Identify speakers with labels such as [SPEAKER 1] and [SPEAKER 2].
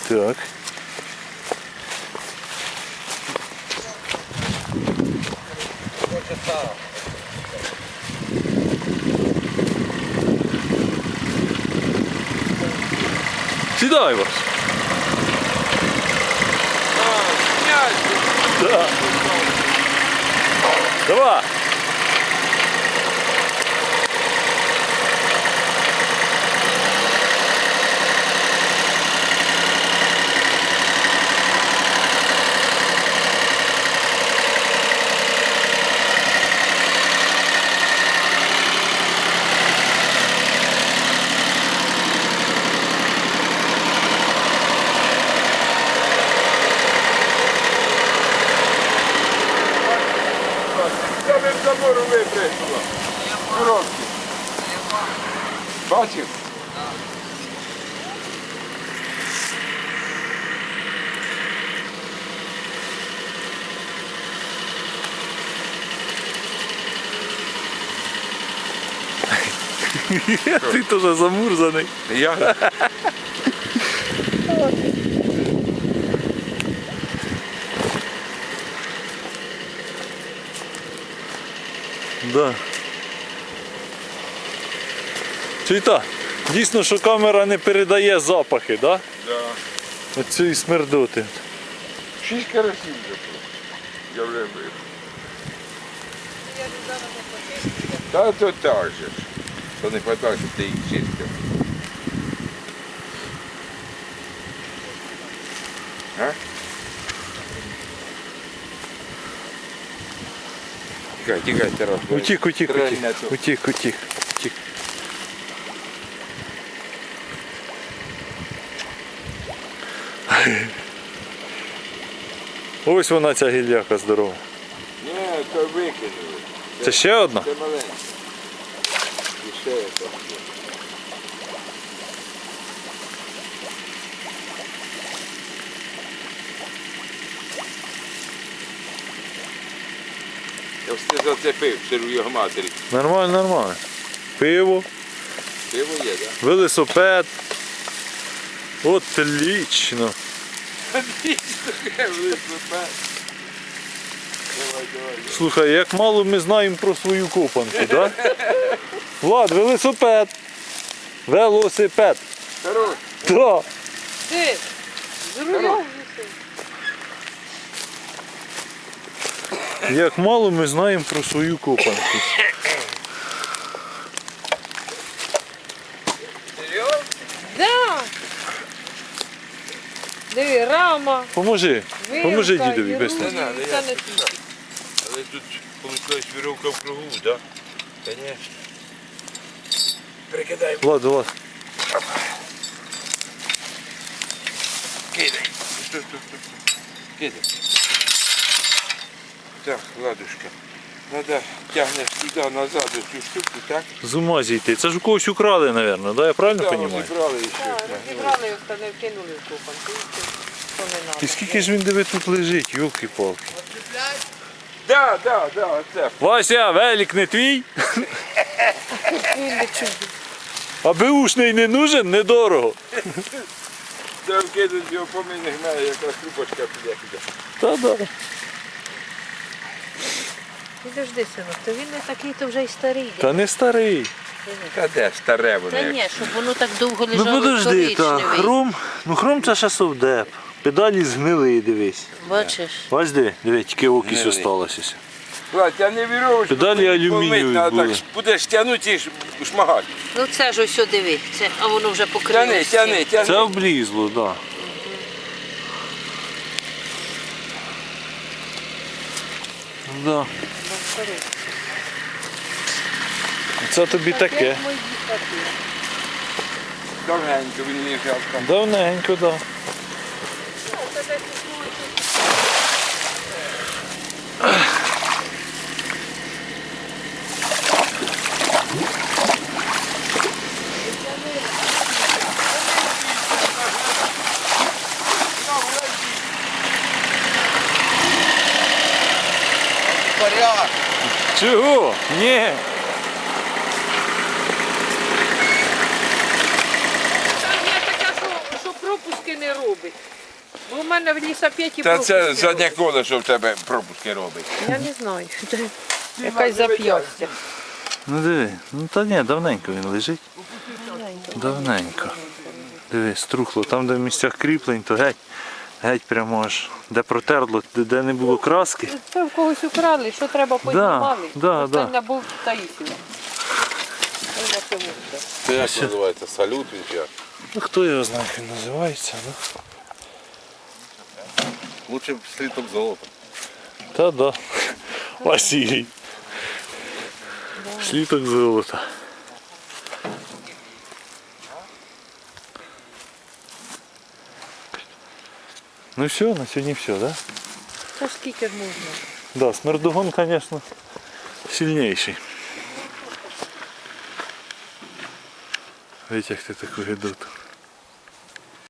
[SPEAKER 1] Так. Сідай вас. Да. Давай.
[SPEAKER 2] Саме з забору випреснуло. Коробки. Бачив?
[SPEAKER 1] Ти теж замурзаний.
[SPEAKER 2] Я.
[SPEAKER 1] Да. Чуєте, дійсно, що камера не передає запахи, да?
[SPEAKER 2] Да.
[SPEAKER 1] Оцієї смердоти.
[SPEAKER 2] 6 карасів вже тут. Я вже вибив. Та то так же ж. То не хватає, щоб ти їх чистив. А? Тікай, тікай, Тарас.
[SPEAKER 1] Утік.
[SPEAKER 2] Стрельне тут.
[SPEAKER 1] Утік. Ось вона, ця гільяка здорова.
[SPEAKER 2] Ні, то викинули.
[SPEAKER 1] Це ще одна?
[SPEAKER 2] Це маленька. І ще яка. Я все зацепив, сиру його матері.
[SPEAKER 1] Нормально. Пиво,
[SPEAKER 2] Пиво є, так?
[SPEAKER 1] велосипед. Отлично.
[SPEAKER 2] Давай.
[SPEAKER 1] Слухай, як мало ми знаємо про свою копанку, да? Влад, велосипед. Велосипед.
[SPEAKER 2] Хорош.
[SPEAKER 1] Да.
[SPEAKER 3] Ти, з рулем висить.
[SPEAKER 1] Як мало ми знаємо про свою копанку.
[SPEAKER 2] Серйозно?
[SPEAKER 3] Да. Диви, рама,
[SPEAKER 1] Поможи
[SPEAKER 3] вилка,
[SPEAKER 1] дідові,
[SPEAKER 3] і
[SPEAKER 1] без
[SPEAKER 3] руль,
[SPEAKER 2] Не надо,
[SPEAKER 3] і
[SPEAKER 2] я
[SPEAKER 3] все на
[SPEAKER 2] сюди.
[SPEAKER 3] світі.
[SPEAKER 2] Але тут виходить віровка в кругу, так? Конечно. Прикидай.
[SPEAKER 1] Влад.
[SPEAKER 2] Кидай. Стоп. Кидай. Так, ладушка. Надо тягнеш туди назад цю штуку, так?
[SPEAKER 1] З ума зійти. Це ж у когось украли, мабуть, да? Я правильно
[SPEAKER 2] Так,
[SPEAKER 1] розумію?
[SPEAKER 2] розібрали і
[SPEAKER 3] Так,
[SPEAKER 2] все.
[SPEAKER 3] розібрали його, та не вкинули в купанку. Що не надо.
[SPEAKER 1] І скільки ж він диви тут лежить, йолки-палки.
[SPEAKER 2] Да, оце.
[SPEAKER 1] Вася, велик не твій?
[SPEAKER 3] Він не чує.
[SPEAKER 1] А беушний не нужен, недорого.
[SPEAKER 2] Де вкидуть його помийних мене, якраз трубочка піде.
[SPEAKER 1] Та-да.
[SPEAKER 3] Підожди, синок, то він не такий, то вже й старий.
[SPEAKER 1] Та не старий.
[SPEAKER 2] Та де старе воно?
[SPEAKER 3] Та ні, щоб воно так довго
[SPEAKER 1] Ну
[SPEAKER 3] лежало,
[SPEAKER 1] подожди, та
[SPEAKER 3] коричневий.
[SPEAKER 1] хром це ще совдеп. Педалі згнили, дивись.
[SPEAKER 3] Бачиш?
[SPEAKER 1] Бач диви, тільки окись
[SPEAKER 2] Гнилий.
[SPEAKER 1] осталося.
[SPEAKER 2] Ладно, я не вірю,
[SPEAKER 1] Педалі алюмінієві
[SPEAKER 2] а
[SPEAKER 1] були.
[SPEAKER 2] так будеш тягнути і шмагати.
[SPEAKER 3] Ну це ж ось диви, це, а воно вже покрилося.
[SPEAKER 2] Тяни.
[SPEAKER 1] Це облізло, так. Да. Да. Це тобі таке.
[SPEAKER 2] Довгенько він лежав там.
[SPEAKER 1] Давненько, так. Да.
[SPEAKER 2] Порядок.
[SPEAKER 1] Чого? Ні.
[SPEAKER 3] Там є така, що пропуски не робить. робить. Бо в мене в лісапеті
[SPEAKER 2] Та це
[SPEAKER 3] пропуски
[SPEAKER 2] заднє
[SPEAKER 3] робить.
[SPEAKER 2] колесо в тебе пропуски робить.
[SPEAKER 3] Я не знаю. Це якась зап'ястя.
[SPEAKER 1] Ну диви, ну та ні, давненько він лежить. Давненько. Диви, струхло. Там, де в місцях кріплень, то геть. Геть прямо аж, де протерло, де не було краски.
[SPEAKER 3] Це в когось украли, що треба піднімали.
[SPEAKER 1] да.
[SPEAKER 3] Остання був Таїсів.
[SPEAKER 2] Це як називається? Салют він чи як?
[SPEAKER 1] Ну хто його знає, як він називається, ну.
[SPEAKER 2] Лучше б слиток золота.
[SPEAKER 1] Та да. Василій. Сліток золота. Ну все, на сьогодні все, да?
[SPEAKER 3] Це ж скільки ж можна?
[SPEAKER 1] Да, смердогон, конечно, сильнейший. Витягти таку гидоту.